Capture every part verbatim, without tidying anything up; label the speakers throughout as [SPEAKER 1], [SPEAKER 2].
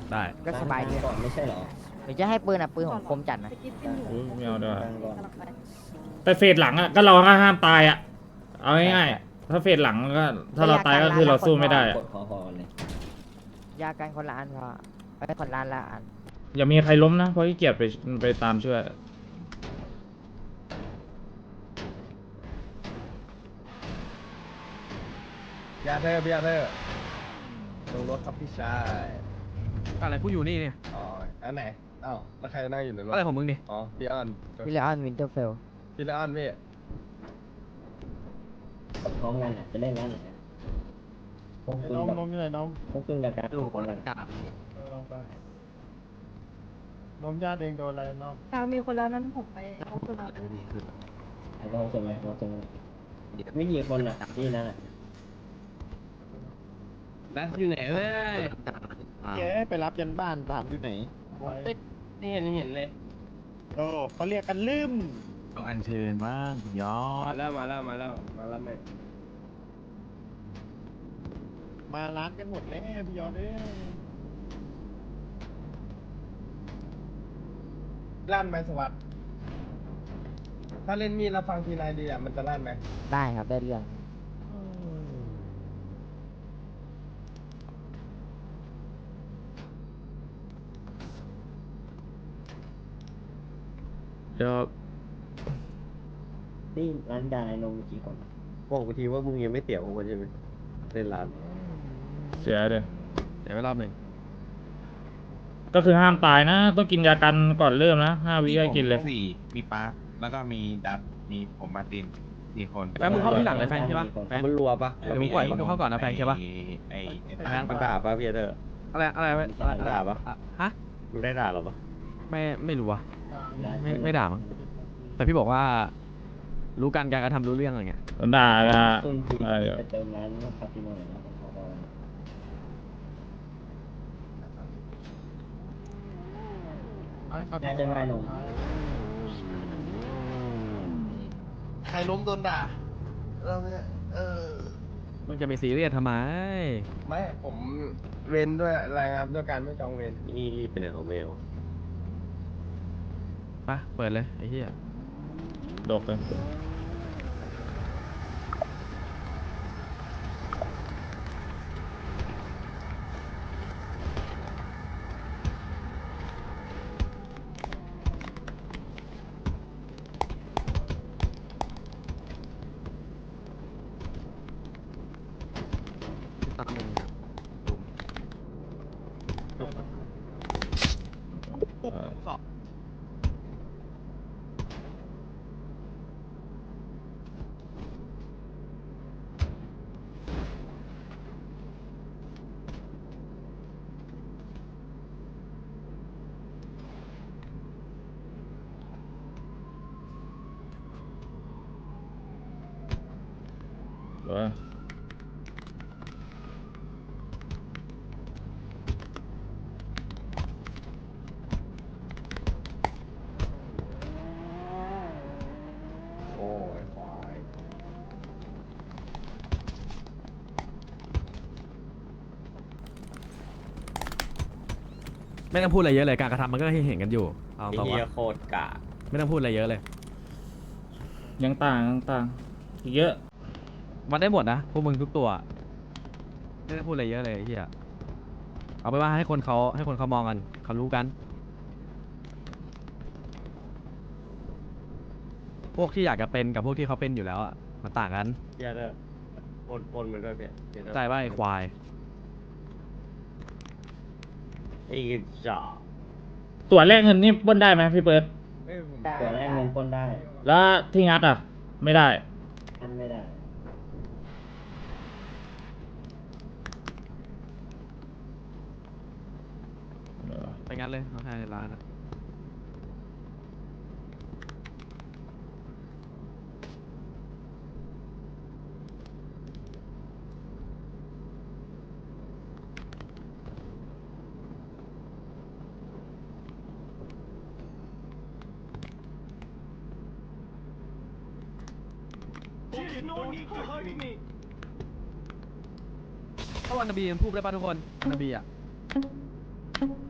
[SPEAKER 1] ได้
[SPEAKER 2] ก็สบายดี
[SPEAKER 3] ก่อนไม่ใช่เหรอ
[SPEAKER 2] หรือจะให้ปืนอ่ะปืนของคมจัดนะ
[SPEAKER 4] อืมไม่เอาด้วย
[SPEAKER 3] ตั้งก่อน
[SPEAKER 4] แต่เฟสหลังอ่ะก็เราก็ห้ามตายอ่ะเอาง่ายๆถ้าเฟสหลังก็ถ้าเราตายก็คือเราสู้ไม่ได้อะ
[SPEAKER 3] กดคอคอกันเลย
[SPEAKER 2] ยากันคนละอันพอไอ้คนละอันละอัน
[SPEAKER 4] อย่ามีใครล้มนะเพราะขี้เกียจไปไปตามช่วย
[SPEAKER 5] ยาเธอพี่ยาเธอลงรถครับพี่ชาย
[SPEAKER 1] อะไรผู้อยู่นี่เนี่ย
[SPEAKER 5] อ๋ออันไหนอ้าวแล้วใครนั่งอยู่ในรถ
[SPEAKER 1] อะไรของมึงดิ
[SPEAKER 5] อ๋อพี่อ้อน
[SPEAKER 2] วิลเลออนวินเทอร์เฟล
[SPEAKER 5] พี่ละอ้อนพี่
[SPEAKER 3] พร้อมกันอ่ะจะเล่นกันไหนพวกคุณ
[SPEAKER 6] น้อง
[SPEAKER 3] กับ
[SPEAKER 6] น้องอยู่ไหนน้อง
[SPEAKER 3] พวกคุณกับการดูคนละ
[SPEAKER 6] เออลองไปน้องญาติเองโดนอะไรน้อง
[SPEAKER 7] ทางมีคนแล้วนั้นผมไปเอาคนละ
[SPEAKER 3] ไอ้น้องจะไหมน้องจะไหมไม่กี่คนอ่ะที่นั่นอ่ะ
[SPEAKER 5] นั่นอยู่ไหนเว้ย
[SPEAKER 6] แกไปรับยันบ้านถามอยู่ไหน
[SPEAKER 5] ติดนี่เห็นเห็นเลย
[SPEAKER 6] โอ้เขาเรียกกันลืม
[SPEAKER 1] ต้องอัญเชิญบ้างยอ
[SPEAKER 5] มา
[SPEAKER 1] ด
[SPEAKER 5] แล้วมาแล้วมาแล้วมาแล้วแม่
[SPEAKER 6] มาร้านกันหมดแล้วพี่ยอดเอ้ย
[SPEAKER 5] ลั่นไหมสวัสดิ์ถ้าเล่นมีดแล้วฟังทีนายดีอ่ะมันจะลั่นไหม
[SPEAKER 2] ได้ครับได้เรื่อง
[SPEAKER 4] เดี๋ยว
[SPEAKER 3] ที่ร้านยาไอ้นมกี่คน
[SPEAKER 5] บอกกูทีว่ามึงยังไม่เตี๋ยวกูใช่ไหมเล่นร้าน
[SPEAKER 4] เสียเดี๋ยว
[SPEAKER 1] เดี๋ยวไปรอบหนึ่ง
[SPEAKER 4] ก็คือห้ามตายนะ ต้องกินยากันก่อนเริ่มนะห้าวิก็กินเลย
[SPEAKER 8] สี่มีปาร์คแล้วก็มีดับมีผมมาร์ตินสี่คน
[SPEAKER 1] แฟนมึงเข้าที่หลังเลยแฟนใช่ปะแฟน
[SPEAKER 5] มันรัวปะ
[SPEAKER 1] เดี๋ยวมึงปล่อยมึงเข้าก่อนนะแฟนใช่ปะ
[SPEAKER 8] ไอ้ไอ้
[SPEAKER 1] แฟน
[SPEAKER 5] มันด่าปะพี่เธอ
[SPEAKER 1] อะไรอะไรอะไรอะไร
[SPEAKER 5] ด่าปะ
[SPEAKER 1] อ่ฮะ
[SPEAKER 5] มึงได้ด่าหรอปะ
[SPEAKER 1] ไม่ไม่รู้ว่ะไม่ไม่ด่ามั้งแต่พี่บอกว่า รู้การการกระทำรู้เรื่องอะไรเงี้ย
[SPEAKER 4] ด่านะฮะ
[SPEAKER 3] ซึ่งที่
[SPEAKER 4] อะไรเดี๋ยว
[SPEAKER 3] ไปเติมร้านคาสิโนหน่อยนะผมขอบอกน่าจะไม่นม
[SPEAKER 5] ใครล้มโดนด่าเราเนี่ยเออ
[SPEAKER 1] มึงจะไปซีเรียสทำไม
[SPEAKER 5] ไม่ผมเว้นด้วยรายงานด้วยการไม่จองเวร
[SPEAKER 8] นี่เป็นของเมล
[SPEAKER 1] ปะเปิดเลยไอ้เหี้ย
[SPEAKER 4] ดกเลย
[SPEAKER 1] ตามมึง
[SPEAKER 4] เอ่อ
[SPEAKER 1] สอบ
[SPEAKER 4] เดี๋ยว
[SPEAKER 5] โอ้ยควาย
[SPEAKER 1] ไม่ต้องพูดอะไรเยอะเลยการกระทำมันก็ให้เห็นกันอยู่เอา
[SPEAKER 8] ไอ้
[SPEAKER 1] ตรง
[SPEAKER 8] เหี้ย
[SPEAKER 1] ว่า
[SPEAKER 8] โคตรกะ
[SPEAKER 1] ไม่ต้องพูดอะไรเยอะเลย
[SPEAKER 4] ยังต่างยังต่างอีกเยอะ
[SPEAKER 1] มันได้หมดนะพวกมึงทุกตัวไม่ต้องพูดอะไรเยอะเลยไอ้เหี้ยเอาไปว่าให้คนเขาให้คนเขามองกันเขารู้กัน พวกที่อยากจะเป็นกับพวกที่เขาเป็นอยู่แล้วอ่ะมันต่างกัน
[SPEAKER 5] พี่เธอปนปนมันด้วยพี่พี่เธอ
[SPEAKER 1] ใจว่าไอ้ควาย
[SPEAKER 5] ไอ้จ่า
[SPEAKER 4] ตัวแรกเงินนี่ปล้นได้ไหมพี่เปิร์ด
[SPEAKER 5] เอ้ยผม
[SPEAKER 3] ตัวแรกเงินปล้นได้
[SPEAKER 4] แล้วที่งัดอ่ะ ไม่ได้
[SPEAKER 3] อันไม่ได้
[SPEAKER 1] ไปงั้นเลยน้องชายในร้านอะถ้าวันนบีมันพูดได้ป่ะทุกคนวันนบีอ่ะ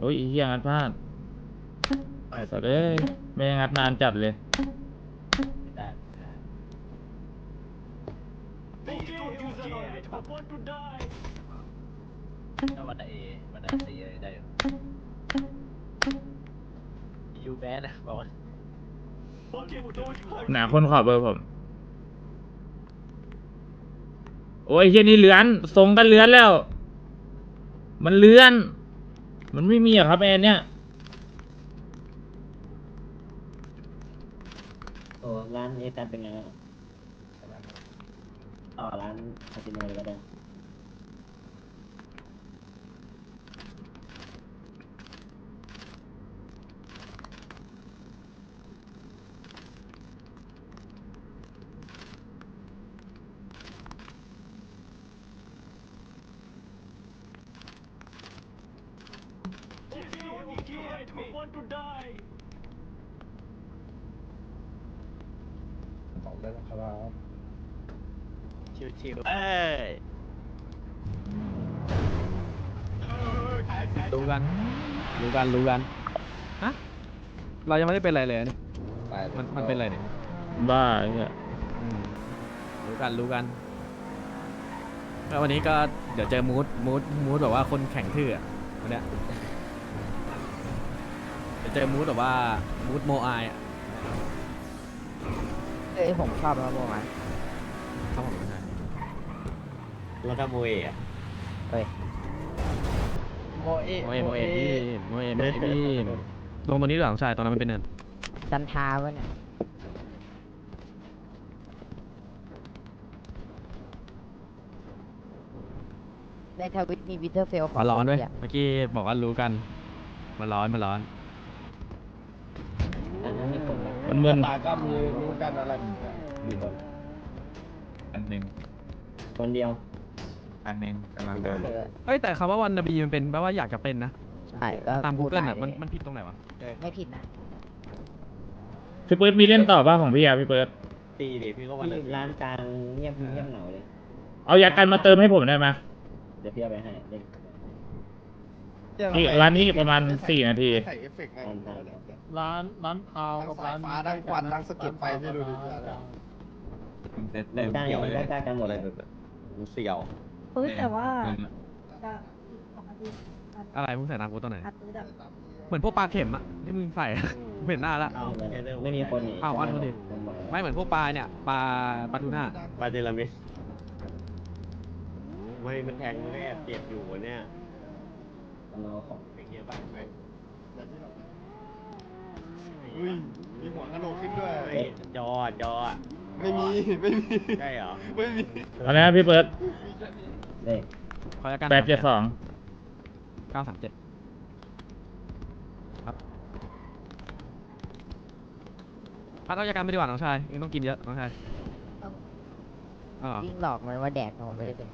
[SPEAKER 4] อ้ยไอ้เฮียงัดพลาดสัตว์เอ้ยไม่ได้งัดนานจัดเลย
[SPEAKER 3] วันไหนวันไหนตีได้ยูแบนนะบอกว่า
[SPEAKER 4] หนาคนขอเบอร์ผม โอ้ยเฮียนี่เลือนทรงก็เลือนแล้ว มันเลือน มันไม่มีอะครับแอนเนี่ย
[SPEAKER 3] โอ้ร้านเอตันเป็นไงต่อร้านคาสิโนเลยก็ได้
[SPEAKER 5] สองได้แล้วครับ
[SPEAKER 3] ชิวๆเอ้ย
[SPEAKER 1] รู้กัน รู้กัน รู้กัน ฮะ เรายังไม่ได้เป็นอะไรเลยเนี่ยมันมันเป็นอะไรเนี่ย
[SPEAKER 4] บ้าไอ้เนี่ย
[SPEAKER 1] อืมรู้กัน รู้กันแล้ววันนี้ก็เดี๋ยวเจอมูดมูดมูดแบบว่าคนแข่งทื่ออะวันเนี้ยเดี๋ยวเจอมูดแบบว่ามูดโมอายอ่ะ
[SPEAKER 2] เอ้ยผมชอบนะโมมัน
[SPEAKER 1] ครับผมใช่
[SPEAKER 3] รถขโมยอ่ะ
[SPEAKER 2] เฮ้ย
[SPEAKER 5] โมเอ
[SPEAKER 1] โมเอโมเอพี่โมเอโมเอพี่ลงตรงนี้หรือหลังชายตรงนั้นมันเป็นเนิน
[SPEAKER 2] จันทาวะเนี่ยในทวิตมีวิเทอร์เฟล
[SPEAKER 1] อ๋อร้อนด้วยเมื่อกี้บอกว่ารู้กันมันร้อนมันร้อน
[SPEAKER 3] อันนั้นมีคนมา
[SPEAKER 4] มันเหมือน
[SPEAKER 5] ตาก็มีรู้กันอะไรแบบนี้
[SPEAKER 3] มีคน
[SPEAKER 8] อันหนึ่ง
[SPEAKER 3] คนเดียว
[SPEAKER 8] อันหนึ่งกำลังเดิน
[SPEAKER 2] เออ
[SPEAKER 1] เอ้ยแต่คำว่าวันนบีมันเป็นแปลว่าอยากจะเป็นนะ
[SPEAKER 2] ใช่ก็
[SPEAKER 1] ตาม
[SPEAKER 2] พูด
[SPEAKER 1] Google
[SPEAKER 2] ไป
[SPEAKER 1] อ่ะมันมันผิดตรงไหนวะ
[SPEAKER 2] ไม่ผิดนะ
[SPEAKER 4] พี่เปิร์ดมีเล่นต่อป่ะของพี่อะพี่เปิร์ด
[SPEAKER 3] ตีดิพี่ก็วันร้านกลางเงียบเงียบเหงาเลย
[SPEAKER 4] เอายากันมาเติมให้ผมได้ไหม
[SPEAKER 3] เดี๋ยวพี่เอาไปให้เล่น
[SPEAKER 4] อีกร้านนี้อีกประมาณสี่นาที
[SPEAKER 5] ใส่เอฟเฟกต์ไง
[SPEAKER 3] ร้านกลาง
[SPEAKER 6] ร้านร้านพาวกับร้าน
[SPEAKER 5] ฟ้าดังควันดังสะเก็ดไฟที่ดูดิ
[SPEAKER 8] เต็มเต็ม
[SPEAKER 3] กลาง
[SPEAKER 8] เกี่ยวเลย
[SPEAKER 3] กลางกันหมดเลย
[SPEAKER 8] เสี่ยว
[SPEAKER 7] เฮ้ยแต่ว่า
[SPEAKER 8] เออ
[SPEAKER 7] จะของอาทิตย์
[SPEAKER 1] อะไรมึงใส่ตามกูตอนไหน
[SPEAKER 7] อาทิตย์แบบ
[SPEAKER 1] เหมือนพวกปลาเข็มอะที่มึงใส่ เห็นหน้าละ
[SPEAKER 3] เอาไม่มีคนนี่
[SPEAKER 1] อ้าวอันคนดิ ไม่เหมือนพวกปลาเนี่ยปลาปลาทูน่า
[SPEAKER 6] ปาเจลามิสไม่มันแทงมันก็แอบเจ็บอยู่เนี่ย
[SPEAKER 3] เราของ
[SPEAKER 6] เป็นเงี้ยบ้างไหม
[SPEAKER 5] อุ้ยมีหัวกระโหลกขึ้นด้วย
[SPEAKER 6] เฮ้ยจอจอ
[SPEAKER 5] ไม่มี ไม่มี
[SPEAKER 6] ใช่เหรอ
[SPEAKER 5] ไม่มี
[SPEAKER 4] เอาละไรนะพี่เปิร์ด
[SPEAKER 3] เลข
[SPEAKER 1] คอยกัน
[SPEAKER 4] แปดเจ็ดสอง
[SPEAKER 1] เก้าสามเจ็ดครับพัดเอายากันไปดีกว่าน้องชายยังต้องกินเยอะน้องชายอ๋อ
[SPEAKER 2] ยิ่งหลอกมันว่าแดกผมไม่ได้เป็น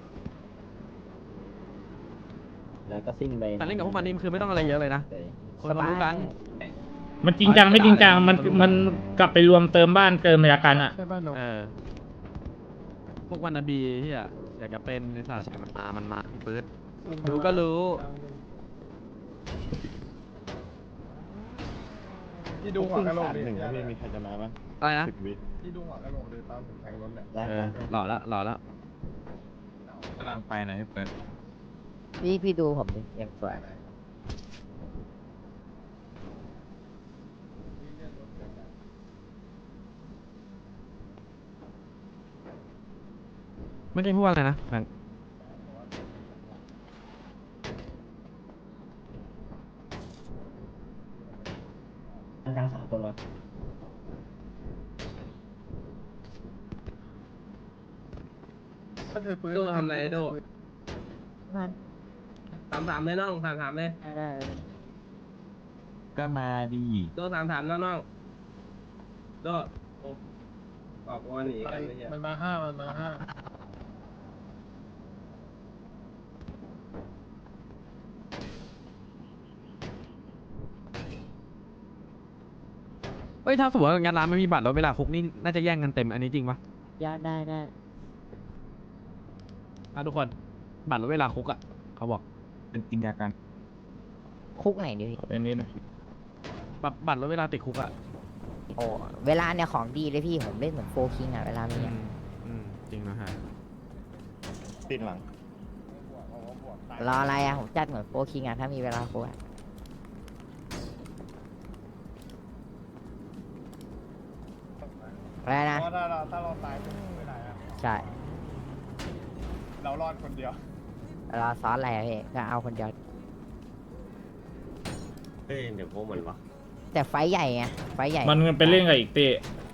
[SPEAKER 3] แล้วก็ซิ่งไป
[SPEAKER 1] แต่เล่นกับพวกมันนี่คือไม่ต้องอะไรเยอะเลยนะคนเขารู้กัน
[SPEAKER 4] มันจริงจังไม่จริงจังมันมันกลับไปรวมเติมบ้านเติมยากันอะ
[SPEAKER 6] ใช่ป่ะหนู
[SPEAKER 1] เออพวกวันนบีที่อะอยากจะเป็นในศาสนามันมามันมาพี่ปื๊ดรู้ก็รู้
[SPEAKER 5] ที่ดูหัวกระโหลกดิ
[SPEAKER 6] หนึ่งพี่มีใครจะมาบ้าง
[SPEAKER 1] อะไรนะ
[SPEAKER 6] สิบวิ
[SPEAKER 5] ที่ดูหัวกระโหลกดิตอนผมแทงรถเนี่ย
[SPEAKER 3] แล้ว
[SPEAKER 1] เออหล่อละหล่อละ
[SPEAKER 8] กำลังไปไหนเปิด
[SPEAKER 2] พี่พี่ดูผมดิยังสวย
[SPEAKER 1] ไม่ใช่พูดว่าอะไรนะแบงค์
[SPEAKER 3] ร้านกลางสามคนวะ
[SPEAKER 5] ถ้าเธอปืน
[SPEAKER 9] โดทำอะไรโด
[SPEAKER 2] มัน
[SPEAKER 9] ถามถามเลยน้องถามถามเลย
[SPEAKER 2] ได้ได้
[SPEAKER 8] ก็มาดี
[SPEAKER 9] โดถามถามน้องน้องโดโอ้ออกวันหนีกันเลยเนี่ย
[SPEAKER 6] มันมาห้ามันมาห้า
[SPEAKER 1] เฮ้ยถ้าสมมติว่างานร้านไม่มีบัตรแล้วเวลาคุกนี่น่าจะแย่งกันเต็มอันนี้จริงปะ
[SPEAKER 2] ยาได้ได้
[SPEAKER 1] อ่ะทุกคนบัตรลดเวลาคุกอ่ะเขาบอก
[SPEAKER 8] เป็นกินยากัน
[SPEAKER 2] คุกไหนดิพี่
[SPEAKER 4] เป็นนี้หนะ
[SPEAKER 1] บัตรบัตรลดเวลาติดคุกอะ
[SPEAKER 2] โอ้เวลาเนี่ยของดีเลยพี่ผมเล่นเหมือนโฟคิงอะเวลามี
[SPEAKER 1] อื
[SPEAKER 2] อะ
[SPEAKER 1] มอืมจริงนะฮะ
[SPEAKER 6] ติดหลัง
[SPEAKER 2] รออะไรอะผมจัดเหมือนโฟคิงอะถ้ามีเวลาคุกอะอะไรนะ
[SPEAKER 5] เพราะถ้าเราถ้าเราตายไม่ได้อะ
[SPEAKER 2] ใช่
[SPEAKER 5] เรารอดคนเดียว
[SPEAKER 2] รอซ้อนอะไรอะพี่ก็เอาคนเดียว
[SPEAKER 6] เฮ้ยเดี๋ยวพวกมันวะ
[SPEAKER 2] แต่ไฟท์ใหญ่ไงไฟท์ใหญ่
[SPEAKER 4] มันไปเล่นกับอีกเต้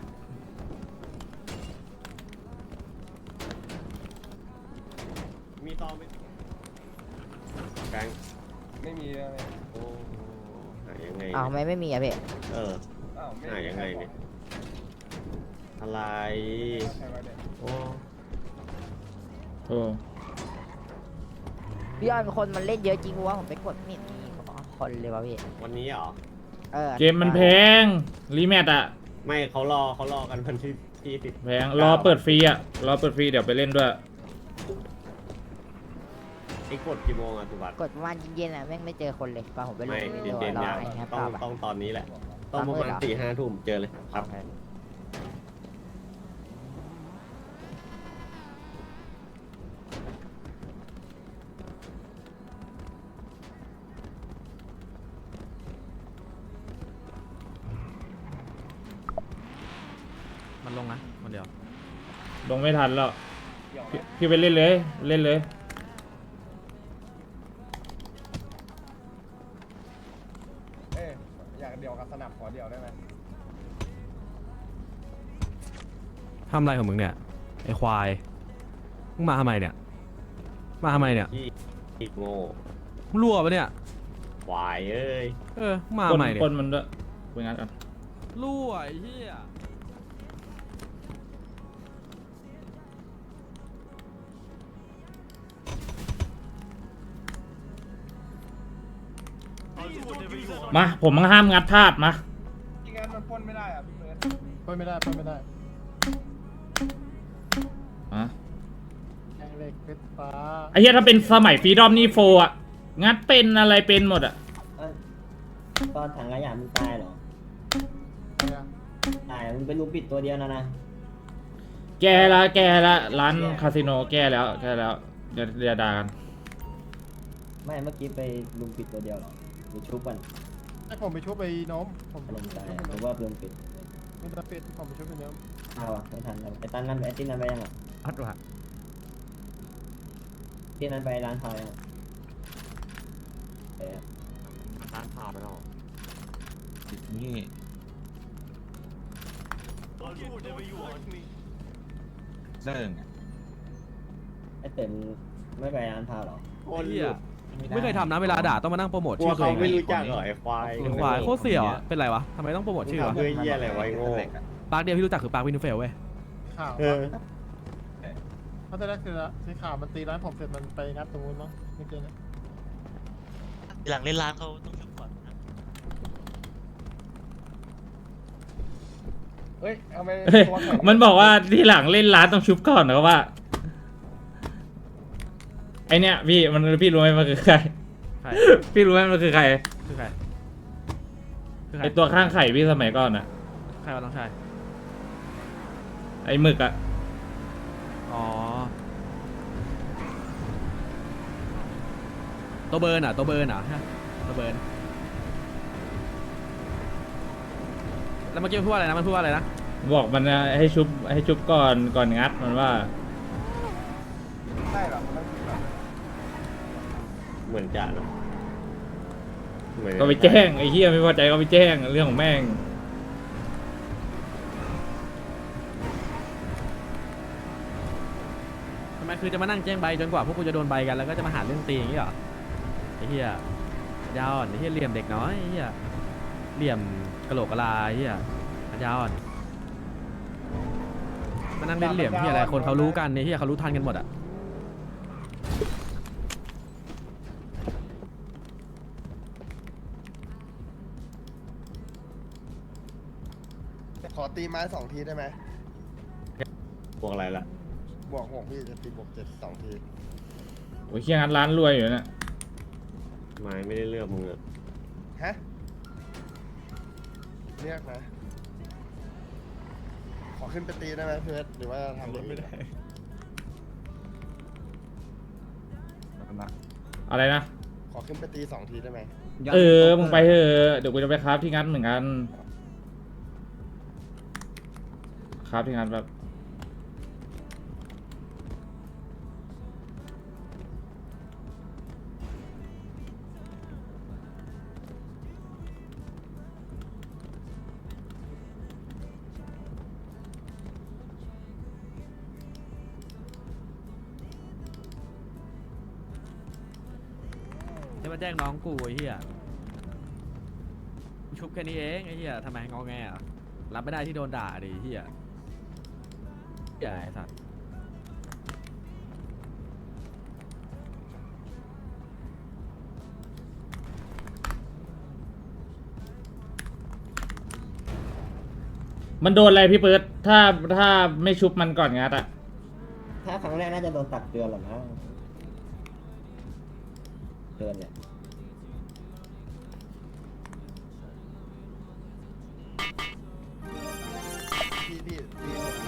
[SPEAKER 6] มีตอไหมแกง
[SPEAKER 5] ไม่มีอะไร
[SPEAKER 6] โอ้หายังไง
[SPEAKER 2] อ้าวทำไมไม่มีอะพี่
[SPEAKER 6] เออ
[SPEAKER 5] อ้าวไม่
[SPEAKER 6] หายังไงเนี่ย อะไร
[SPEAKER 5] ใช่ไหมเนี่ย
[SPEAKER 6] โอ้
[SPEAKER 4] โอ้
[SPEAKER 2] พี่ยอนคนมันเล่นเยอะจริงวะผมไปกดไม่เห็นมีคนเลยวะพี่
[SPEAKER 6] วันนี้เหรอ
[SPEAKER 2] เออ
[SPEAKER 4] เกมมันแพงรีแมทอะ
[SPEAKER 6] ไม่เขารอเขารอกันวันที่ที่สิบ
[SPEAKER 4] แพงรอเปิดฟรีอะรอเปิดฟรีเดี๋ยวไปเล่นด้วย
[SPEAKER 6] ไอ้กดกี่โมงอะสุวัสดิ์
[SPEAKER 2] กดประมาณเย็นๆอะแม่งไม่เจอคนเลยตอนผมไปเล่
[SPEAKER 6] ไม่
[SPEAKER 2] น
[SPEAKER 6] เย็น
[SPEAKER 2] ร
[SPEAKER 6] เย็น
[SPEAKER 2] อ
[SPEAKER 6] เนี่ย
[SPEAKER 2] ไอ้แฮป
[SPEAKER 6] ต้อ
[SPEAKER 2] ปี้
[SPEAKER 6] ง
[SPEAKER 2] อะ
[SPEAKER 6] ต้องตอนนี้แหละ ต้อง
[SPEAKER 2] ต
[SPEAKER 6] ป
[SPEAKER 2] อน
[SPEAKER 6] ระ
[SPEAKER 2] มื
[SPEAKER 6] มา
[SPEAKER 2] ด
[SPEAKER 6] ณ
[SPEAKER 2] เหรอ
[SPEAKER 6] สี่ห้าทุ่มเจอเลยครับ
[SPEAKER 1] มันลงนะคนเดียว
[SPEAKER 4] ลงไม่ทันแล้วพี่พี่ไปเล่นเลยเล่นเลย
[SPEAKER 5] เอ้ยอยากเดียวกับสนับขอเดียวได้ไหม
[SPEAKER 1] ทำอะไรของมึงเนี่ยไอ้ควายมึงมาทำไมเนี่ยมาทำไมเนี่ย
[SPEAKER 6] ที่อีกโง่
[SPEAKER 1] มึงรั่วปะเนี่ย
[SPEAKER 6] วายเอ้ย
[SPEAKER 1] เออมึงมา
[SPEAKER 4] คน
[SPEAKER 1] ทำไมเนี่ย
[SPEAKER 4] คนมันด้วยไปงั้นกัน
[SPEAKER 1] รั่วไอ้เหี้ย
[SPEAKER 4] มาผมมันห้ามงัดพลาดมา
[SPEAKER 5] ที่งั้นมันปล้นไม่ได้อะพี่เบิร์ด
[SPEAKER 9] ปล้นไม่ได้ปล้นไม่ได้
[SPEAKER 4] อ่ะ
[SPEAKER 9] แองเหล็กเพชรฟ้า
[SPEAKER 4] ไอ้เหี้ยถ้าเป็นสมัยฟรีดอมนี่โฟอะงัดเป็นอะไรเป็นหมดอะ
[SPEAKER 3] ตอนถังขยะมึงตายเหรอ
[SPEAKER 9] อะไรอะ
[SPEAKER 3] ตายมึงเป็นลูกปิดตัวเดียวนะนะ
[SPEAKER 4] แกละแกละร้านคาสิโนแกแล้วแกแล้วเดี๋ยวเดี๋ยวด่ากัน
[SPEAKER 3] ไม่เมื่อกี้ไปลุมปิดตัวเดียวเหรอหรือชุบกัน
[SPEAKER 9] ไอผมไปชุบไปน้องผม
[SPEAKER 3] อารมณ์ตาย
[SPEAKER 9] ชุบ
[SPEAKER 3] ห
[SPEAKER 9] ไป
[SPEAKER 3] รือ
[SPEAKER 9] น้
[SPEAKER 3] ว่า
[SPEAKER 9] อง
[SPEAKER 3] ลุมปิด
[SPEAKER 9] ไม่ได้ปิดผมไปชุบไปน้อง
[SPEAKER 3] อ้าวอะไม่ทันแล้วไอ้ตันนั้นไอ้ที่นั้นไปยังอ่ะ
[SPEAKER 1] อัดว่ะ
[SPEAKER 3] ที่นั้นไปร้านทอยอ่ะไปอะ
[SPEAKER 6] ร้านข่าวไปแล้ว
[SPEAKER 8] นี่ เสิ่ง
[SPEAKER 3] ไอ้เต็มไม่ไปร้านทาวเหรอ
[SPEAKER 1] ไอ้เหี้ยไม่เคยทำนะเวลาด่าต้องมานั่งโปรโมท
[SPEAKER 6] กลัว
[SPEAKER 1] ชื่อตัว
[SPEAKER 6] เขา
[SPEAKER 1] เอง
[SPEAKER 6] ไม่
[SPEAKER 1] อะ
[SPEAKER 6] รู้จักเหรอไอ้ควาย
[SPEAKER 1] ไอ้ควายโคตรเสี่ยวอะเป็นไรวะทำไมต้องโปรโมทชื่อวะ
[SPEAKER 6] เพื่อเยี่ยอะไรไว้โง่
[SPEAKER 1] ปาร์คเดียวที่รู้จักคือปาร์ควินเฟลเว้ย
[SPEAKER 9] ข่าว
[SPEAKER 6] เออ
[SPEAKER 9] เพราะตอนแรกคือสีขาวมันตีร้านผมเสร็จมันไปงัดตรงนู้นมั้งเมื่อกี้นะ
[SPEAKER 10] หลังเล่นร้านเขาต้องชุบก่อนนะ
[SPEAKER 5] เฮ้ยเอาไป
[SPEAKER 4] เฮ้ย
[SPEAKER 5] ตัวแข็ง
[SPEAKER 4] มันบอกว่าที่หลังเล่นร้านต้องชุบก่อนนะว่าไอเนี้ยพี่มันพี่รู้ไหมมันคือใคร
[SPEAKER 1] ใคร
[SPEAKER 4] พี่รู้ไหมมันคือใคร
[SPEAKER 1] คือใครคือใคร
[SPEAKER 4] ไอตัวข้างไข่พี่สมัยก่อนอะ
[SPEAKER 1] ใครวะน้องชาย
[SPEAKER 4] ไอหมึกอะ
[SPEAKER 1] อ๋อตัวเบิร์นอ่ะตัวเบิร์นอ่ะฮะตัวเบิร์นแล้วเมื่อกี้มันพูดว่าอะไรนะมันพูดว่าอะไรนะ
[SPEAKER 4] บอกมันนะให้ชุบให้ชุบก่อนก่อนงัดมันว่า
[SPEAKER 5] ใช่เหรอมันต้องคิดแบบ
[SPEAKER 6] เหมือนจะนะเหมือน
[SPEAKER 4] ก็ไปแจ้งไอ้เหี้ยไม่พอใจก็ไปแจ้งเรื่องของแม่ง
[SPEAKER 1] ทำไมคือจะมานั่งแจ้งใบจนกว่าพวกกูจะโดนใบกันแล้วก็จะมาหาเรื่องตีอย่างนี้เหรอไอ้เหี้ยยาวอ่อนไอ้เหี้ยเหลี่ยมเด็กน้อยไอ้เหี้ยเหลี่ยมกะโหลกกะลาไอ้เหี้ยยาวอ่อนมานั่งเล่นเหลี่ยมเหี้ยอะไรคนเขารู้กันไอ้เหี้ยเขารู้ทันกันหมดอ่ะ
[SPEAKER 5] ขอตีไม้สองทีได้ไหม
[SPEAKER 6] พวกอะไรล่ะ
[SPEAKER 5] บวกหกพี่จะตีบวกเจ็ดสองที
[SPEAKER 4] โอ้ยเหี้ยงัดร้านรวยอยู่เนะ
[SPEAKER 6] ไม้ไม่ได้เลือกมึงอะ
[SPEAKER 5] ฮะเรียกนะ ขอขึ้นไปตีได้ไหมเพื่อนหรือว่าทำรถไม่ได้
[SPEAKER 4] อะไรนะ
[SPEAKER 5] ขอขึ้นไปตีสองทีได้ไหม
[SPEAKER 4] เออ มึงไปเถอะเดี๋ยวกูจะไปคราฟที่งั้นเหมือนกัน คราฟที่งั้นแบบ
[SPEAKER 1] จะมาแจ้งน้องกูไอ้เหี้ยชุบแค่นี้เองไอ้เหี้ยทำไมงอแงอ่ะรับไม่ได้ที่โดนด่าดิไอ้เหี้ยใหญ่สัตว์
[SPEAKER 4] มันโดนอะไรพี่เปิดถ้าถ้าไม่ชุบมันก่อนงัดอะ
[SPEAKER 3] ถ้าครั้งแรกน่าจะโดนตักเตือนหรอนะเตือนเนี่ย
[SPEAKER 5] พี่พี่พี่